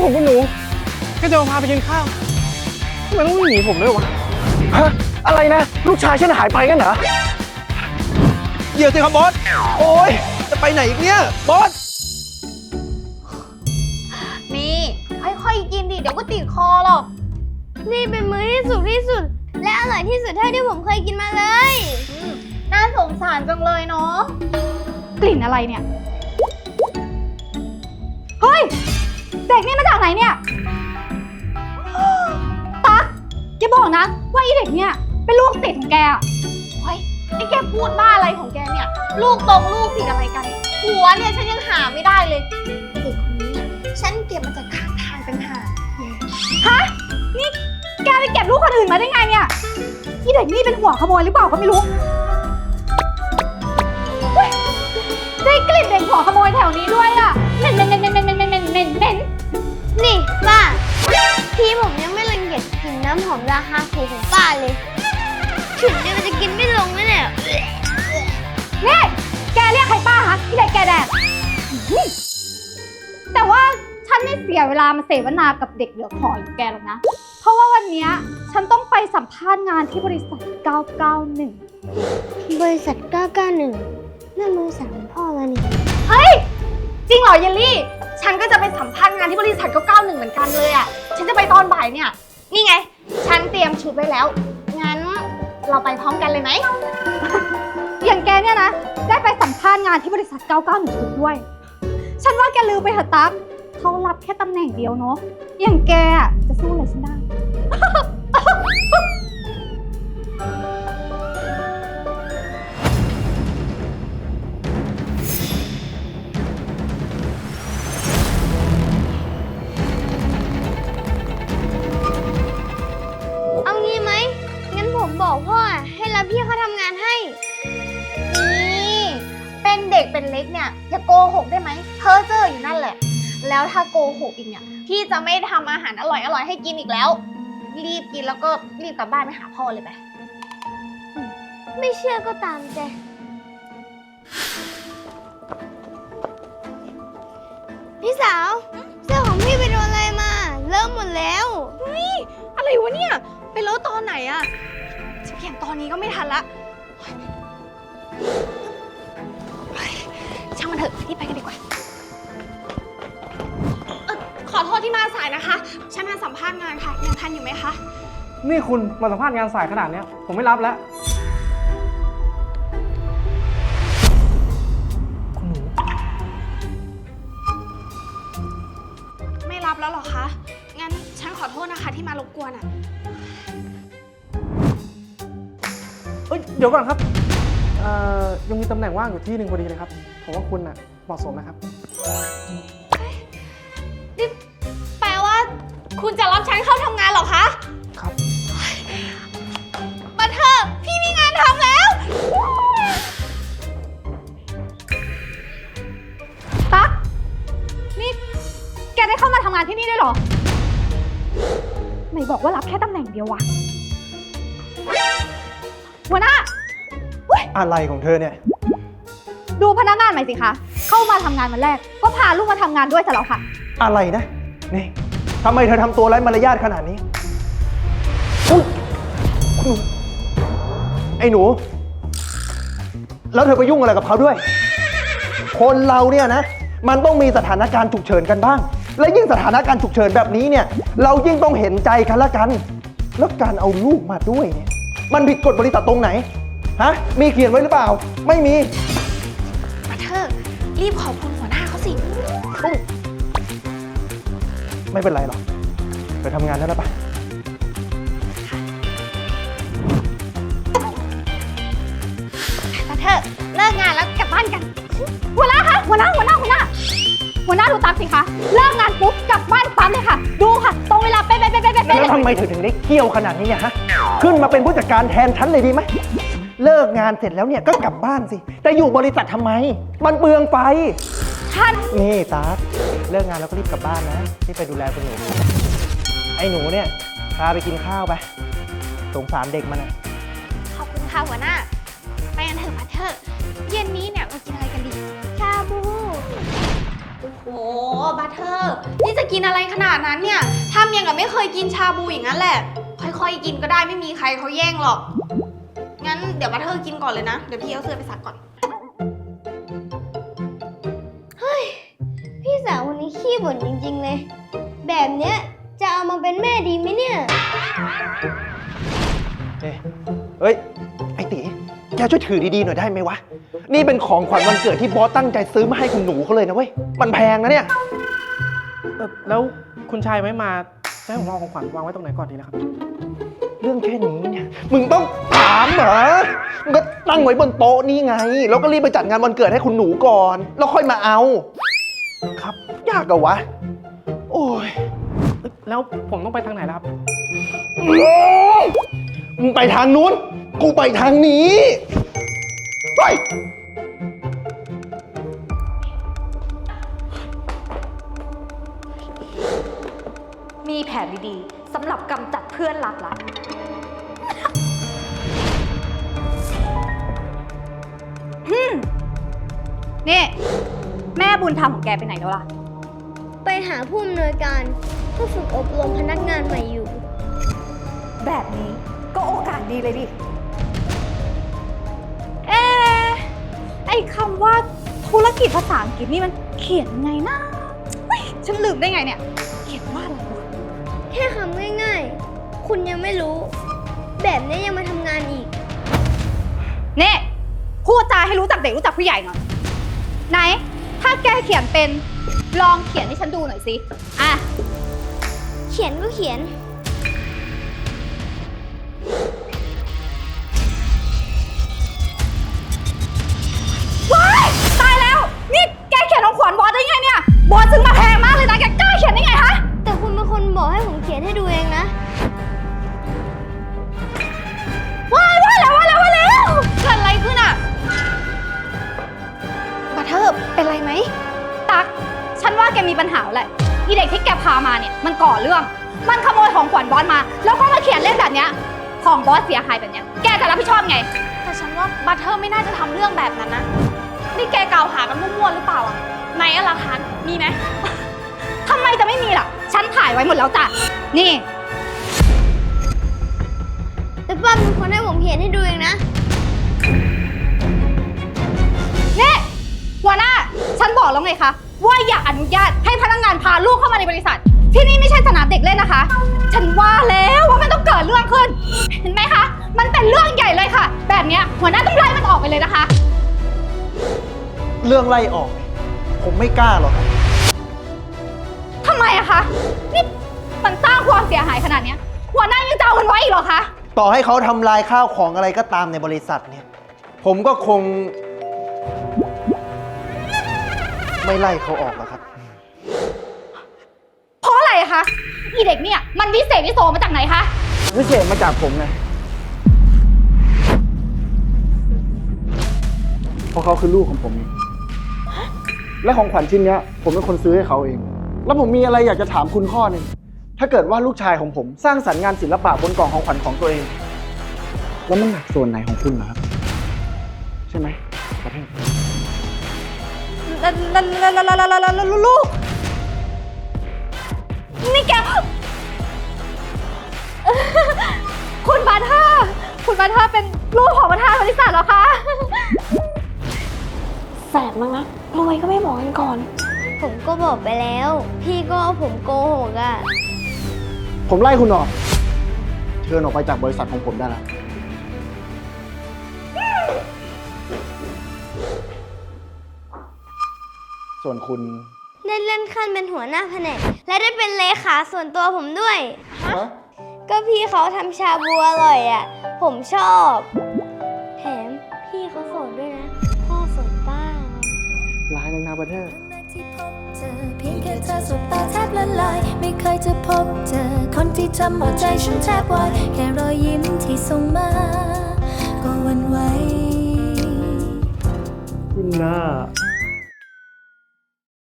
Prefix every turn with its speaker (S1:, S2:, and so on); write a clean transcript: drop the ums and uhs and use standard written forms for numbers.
S1: ผมคุณหนูแค่จะมาพาไปกินข้าวทำไมต้องวิ่งหนีผมด้วยวะฮะอะไรนะลูกชายฉันหายไปกันเหรอ
S2: เดี๋ยวสิครับบอสโอ้ยจะไปไหนอีกเนี่ยบอส
S3: นี่ค่อยๆกินดิเดี๋ยวก็ติดคอหรอกนี่เป็นมื้อที่สุดและอร่อยที่สุดเท่าที่ผมเคยกินมาเลยน่าสงสารจังเลยเนาะกลิ่นอะไรเนี่ยเฮ้ยเด็กนี่มาจากไหนเนี่ยตั๊กแกบอกนะว่าอีเด็กเนี่ยเป็นลูกติดของแกอะเฮ้ยไอ้แกพูดบ้าอะไรของแกเนี่ยลูกติดอะไรกันหัวเนี่ยฉันยังหาไม่ได้เลยเด็กคนนี้เนี่ยฉันเก็บมาจากข้างทางเป็นหาฮะนี่แกไปเก็บลูกคนอื่นมาได้ไงเนี่ยอีเด็กนี่เป็นหัวขโมยหรือเปล่าก็ไม่รู้ได้กลิ่นเด็กหัวขโมยแถวนี้ด้วยอ่ะเหม็นนี่ป้าพี่ผมยังไม่รังเกียจกินน้ำหอมราคาถูกของป้าเลยถึงเนี่ยมันจะกินไม่ลงแน่เนี่ยนี่แกเรียกใครป้าฮะที่ไหนแกแดดแต่ว่าฉันไม่เสียเวลามาเสวนากับเด็กเหลือขออย่างแกหรอกนะเพราะว่าวันนี้ฉันต้องไปสัมภาษณ์งานที่บริษัท 991 บริษัท 991นั่นบริษัทของพ่อมานี่เฮ้ยจริงเหรอเยลลี่ฉันก็จะไปสัมภาษณ์งานที่บริษัท 991 เหมือนกันเลยอ่ะฉันจะไปตอนบ่ายเนี่ยนี่ไงฉันเตรียมชุดไว้แล้วงั้นเราไปพร้อมกันเลยไหม อย่างแกเนี่ยนะได้ไปสัมภาษณ์งานที่บริษัท 991 ด้วยฉันว่าแกลืมไปเถอะตั๊กเขารับแค่ตำแหน่งเดียวเนาะอย่างแกอะจะสู้อะไรฉันได้ เอางี้ไหมงั้นผมบอกพ่อให้รับพี่เขาทำงานให้นี่เป็นเด็กเป็นเล็กเนี่ยอย่าโกหกได้ไหมเพ้อเจ้ออยู่นั่นแหละแล้วถ้าโกหกอีกเนี่ยพี่จะไม่ทำอาหารอร่อยให้กินอีกแล้วรีบกินแล้วก็รีบกลับบ้านไปหาพ่อเลยไปไม่เชื่อก็ตามใจพี่สาวเสื้อของพี่ไปโดนอะไรมาเริ่มหมดแล้วเฮ้ยอะไรวะเนี่ยไปเลอะตอนไหนอะจะเปลี่ยนตอนนี้ก็ไม่ทันละช่างมันเถอะรีบไปกันดีกว่าขอโทษที่มาสายนะคะฉันมาสัมภาษณ์งานค่ะยังทันอยู่ไหมคะ
S1: นี่คุณมาสัมภาษณ์งานสายขนาดนี้ผมไม่รับแล้วคุณหนู
S3: ไม่รับแล้วหรอคะงั้นฉันขอโทษนะคะที่มารบกวนอ่ะ
S1: เดี๋ยวก่อนครับยังมีตำแหน่งว่างอยู่ที่หนึ่งพอดีเลยครับผมว่าคุณเหมาะสมนะครับ
S3: นี่แปลว่าคุณจะรับฉันเข้าทำงานเหรอคะ
S1: ครับ
S3: มาเถอะพี่มีงานทำแล้วตั๊กนี่แกได้เข้ามาทำงานที่นี่ด้วยเหรอไหนบอกว่ารับแค่ตำแหน่งเดียววะหัวหน้า
S2: อะไรของเธอเนี่ย
S3: ดูพนักงานใหม่สิคะเข้ามาทำงานวันแรกก็พาลูกมาทำงานด้วยซะแล้วค่ะ
S2: อะไรนะนี่ทำไมเธอทำตัวไร้มารยาทขนาดนี้อุ๊ยไอ้หนูแล้วเธอไปยุ่งอะไรกับเขาด้วยคนเราเนี่ยนะมันต้องมีสถานการณ์ฉุกเฉินกันบ้างและยิ่งสถานการณ์ฉุกเฉินแบบนี้เนี่ยเรายิ่งต้องเห็นใจกันละกันแล้วการเอาลูกมาด้วยเนี่ยมันผิดกฎบริษัทตรงไหนฮะมีเขียนไว้หรือเปล่าไม่มี
S3: มาเถอะรีบขอบคุณหัวหน้าเขาสิ
S2: ไม่เป็นไรหรอกไปทำงานได้แล้วปะ
S3: มาเถอะเลิกงานแล้วกลับบ้านกันหัวหน้าคะหัวหน้าดูตามสิคะเลิกงานปุ๊บกลับบ้านปั๊มเลยค่ะดูค่ะตรงเวลาเป๊ะ
S2: แล้วทำไมเธอถึงได้เขี้ยวขนาดนี้เนี่ยฮะขึ้นมาเป็นผู้จัดการแทนฉันเลยดีไหมเลิกงานเสร็จแล้วเนี่ยก็กลับบ้านสิแต่อยู่บริษัททำไมมันเปลืองไฟนี่ตาเลิกงานแล้วก็รีบกลับบ้านนะที่ไปดูแลคุณหนูไอ้หนูเนี่ยพาไปกินข้าวไปสงสารเด็กมันนะ
S3: ขอบคุณค่ะหัวหน้าไปกันเถอะมาเถอะเย็นนี้เนี่ยมากินอะไรกันดีชาบูโอ้โหโอ้บัตเทอร์นี่จะกินอะไรขนาดนั้นเนี่ยทำอย่างกับไม่เคยกินชาบูอย่างนั้นแหละ ค่อยๆกินก็ได้ไม่มีใครเขาแย่งหรอก งั้นเดี๋ยวบัตเทอร์กินก่อนเลยนะ เดี๋ยวพี่เอาเสื้อไปซักก่อน
S4: พี่สาวคนนี้ขี้บ่นจริงๆเลย แบบเนี้ยจะเอามาเป็นแม่ดีไหมเนี่ย
S2: เฮ้ย ไอ้ตีแกช่วยถือดีๆหน่อยได้ไหมวะ นี่เป็นของขวัญวันเกิดที่บอสตั้งใจซื้อมาให้คุณหนูเขาเลยนะเว้ย มันแพงนะเนี่ย
S1: แล้วคุณชายไม่มาจะให้ผมเอาของขวัญวางไว้ตรงไหนก่อนดีนะครับ
S2: เรื่องแค่นี้เนี่ย มึงต้องถามเหรอ มึงก็ตั้งไว้บนโต๊ะนี่ไง แล้วก็รีบไปจัดงานวันเกิดให้คุณหนูก่อน แล้วค่อยมาเอา ครับ ยากอะวะ โอ้ย
S1: แล้วผมต้องไปทางไหนล่ะครับ
S2: มึงไปทางนู้น กูไปทางนี้ ไป
S5: มีแผนดีๆสำหรับกำจัดเพื่อนรักละ
S3: นี่ แม่บุญธรรมของแกไปไหนแล้วล่ะ
S4: ไปหาผู้อำนวยการเพื่อฝึกอบรมพนักงานใหม่อยู่
S5: แบบนี้ก็โอกาสดีเลยดิ
S3: ไอ้คำว่าธุรกิจภาษาอังกฤษนี่มันเขียนไงนะเฮ้ยฉันลืมได้ไงเนี่ย เขียนว่าอะไรวะ
S4: แค่คำง่ายๆ คุณยังไม่รู้ แบบนี้ยังมาทำงานอีก
S3: นี่พูดจาให้รู้จักเด็กรู้จักผู้ใหญ่หน่อย ไหน ถ้าแกเขียนเป็นลองเขียนให้ฉันดูหน่อยสิ อ่ะ
S4: เขียนก็เขียน
S3: ว้าย ตายแล้ว นี่แกเขียนของขวัญบอสได้ไงเนี่ย บอสซื้อมาแพงมากเลยนะ แกกล้าเขียนได้ไงฮะ
S4: แต่คุณเป็นคนบอกให้ผมเขียนให้ดูเองนะ
S3: ว้ายว่าแล้วเกิดอะไรขึ้นอ่ะบัตเทอร์เป็นไรไหม ตัก ฉันว่าแกมีปัญหาแหละอีเด็กที่แกพามาเนี่ยมันก่อเรื่อง มันขโมยของขวัญบอสมา แล้วก็มาเขียนเล่นแบบเนี้ยของบอสเสียหายแบบเนี้ยแกจะรับผิดชอบไง แต่ฉันว่าบัตเทอร์ไม่น่าจะทำเรื่องแบบนั้นนะ นี่แกกล่าวหากันมั่วๆหรือเปล่าอ่ะไหนอะหลักฐานมีไหม ทำไมจะไม่มีล่ะ ฉันถ่ายไว้หมดแล้วจ้ะ นี่
S4: แต่ป้าเป็นคนให้ผมเขียนให้ดูเองนะ
S3: นี่หัวหน้า ฉันบอกแล้วไงคะว่าอย่าอนุญาตให้พนักงานพาลูกเข้ามาในบริษัท ที่นี่ไม่ใช่สนามเด็กเล่นนะคะ ฉันว่าแล้วว่ามันต้องเกิดเรื่องขึ้น เห็นไหมคะ มันเป็นเรื่องใหญ่เลยค่ะ แบบเนี้ยหัวหน้าต้องไล่มันออกไปเลยนะคะ
S2: เรื่องไล่ออกเนี่ยผมไม่กล้าหรอกครับ
S3: ทำไมอะคะนี่มันสร้างความเสียหายขนาดเนี้ยหัวหน้ายังจะเอามันไว้อีกเหรอคะ
S2: ต่อให้เขาทำลายข้าวของอะไรก็ตามในบริษัทเนี่ย ผมก็คง ไม่ไล่เขาออกหรอกครับ
S3: เพราะอะไรอะคะอีเด็กเนี่ยมันวิเศษวิโสมาจากไหนคะ
S1: วิเศษมาจากผมไงเพราะเขาคือลูกของผมเองและของขวัญชิ้นเนี้ย ผมเป็นคนซื้อให้เขาเอง แล้วผมมีอะไรอยากจะถามคุณข้อหนึ่งถ้าเกิดว่าลูกชายของผมสร้างสรรค์งานศิลปะบนกล่องของขวัญของตัวเอง แล้วมันหนักส่วนไหนของคุณเหรอครับ ใช่ไหมประเทศ
S3: ลูก นี่แก คุณบาท่าเป็นลูกของประธานบริษัทเหรอคะ
S5: แสบมากนะรวยก็ไม่บอกกันก่อน
S4: ผมก็บอกไปแล้ว พี่ก็เอาผมโกหกอ่ะ
S1: ผมไล่คุณออก เชิญออกไปจากบริษัทของผมได้แล้ว ส่วนคุณ
S4: ได้เลื่อนขั้นเป็นหัวหน้าแผนก และได้เป็นเลขาส่วนตัวผมด้วย ก็พี่เขาทำชาบูอร่อยอ่ะ ผมชอบ แถมพี่เขาโสดด้วยนะ พ่อโสดป้า
S1: ร้ายในนาประเทศ
S6: ที่พบเจอเพียงแค่เธอสบตาแทบละลายไม่เคยจะพบเจอคนที่ทำหัวใจฉันแทบวายแค่รอยยิ้มที่ส่งมาก็หวันไหว
S1: คุณน่า